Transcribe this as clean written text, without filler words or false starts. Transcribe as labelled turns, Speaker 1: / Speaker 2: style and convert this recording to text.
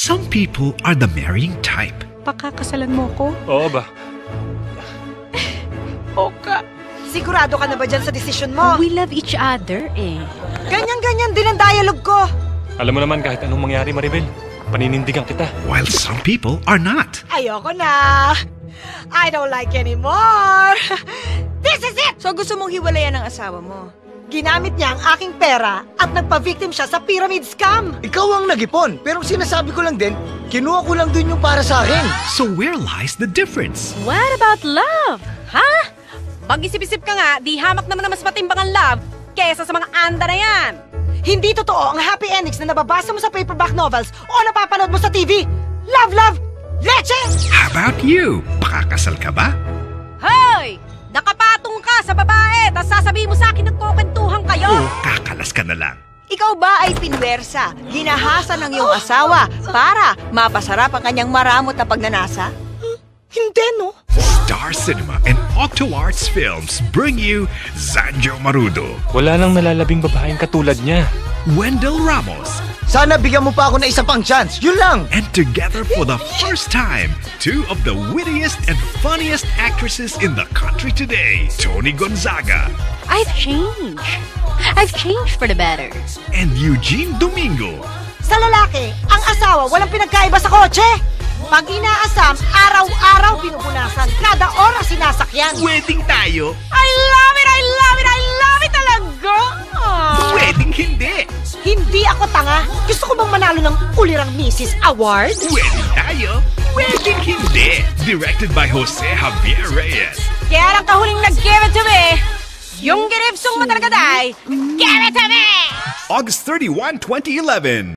Speaker 1: Some people are the marrying type.
Speaker 2: Pakakasalan mo ko?
Speaker 3: Oo ba?
Speaker 2: Oka.
Speaker 4: Sigurado ka na ba dyan sa desisyon mo?
Speaker 2: We love each other eh.
Speaker 4: Ganyan-ganyan din ang dialogue ko.
Speaker 3: Alam mo naman kahit anong mangyari, Maribel, paninindigan kita.
Speaker 1: While some people are not.
Speaker 4: Ayoko na. I don't like anymore. This is it!
Speaker 5: So gusto mong hiwalayan ng asawa mo?
Speaker 4: Ginamit niya ang aking pera at nagpa-victim siya sa pyramid scam.
Speaker 6: Ikaw ang nag-ipon, pero sinasabi ko lang din, kinuha ko lang din yung para sa akin.
Speaker 1: So where lies the difference?
Speaker 2: What about love?
Speaker 5: Ha? Mag-isip-isip ka nga, di hamak naman na mas matimbang ang love kesa sa mga anda na yan.
Speaker 4: Hindi totoo ang happy endings na nababasa mo sa paperback novels o napapanood mo sa TV. Love, love, leche!
Speaker 1: How about you? Pakakasal ka ba?
Speaker 5: Hoy! Nakapatong ka sa babae, tas sasabihin mo sa akin nagkukwentuhan kayo?
Speaker 1: O kakalas ka na lang?
Speaker 5: Ikaw ba ay pinwersa, ginahasa ng iyong asawa para mapasarap ang kanyang maramot na pagnanasa?
Speaker 4: Hindi, no?
Speaker 1: Star Cinema and Octo Arts Films bring you Zanjo Marudo,
Speaker 3: Wala nang nalalabing babaeng katulad niya.
Speaker 1: Wendell Ramos,
Speaker 6: Sana bigyan mo pa ako ng isa pang chance, yun lang!
Speaker 1: and together for the first time, two of the wittiest and funniest actresses in the country today, Tony Gonzaga
Speaker 2: I've changed. I've changed for the better.
Speaker 1: and Eugene Domingo.
Speaker 4: Sa lalaki, ang asawa walang pinagkaiba sa kotse. Pag inaasam, araw-araw pinupunasan, kada oras sinasakyan.
Speaker 1: Wedding tayo?
Speaker 5: I love it! I love it! I love it talaga!
Speaker 1: Wedding hindi!
Speaker 4: Hindi ako tanga. Gusto ko bang manalo ng Ulirang Mrs. Award?
Speaker 1: Wedding tayo? Wedding hindi! Directed by Jose Javier Reyes.
Speaker 5: Kaya lang kahuling nag-give it to me, yung giripsong mataragaday, give it to me!
Speaker 1: August 31, 2011.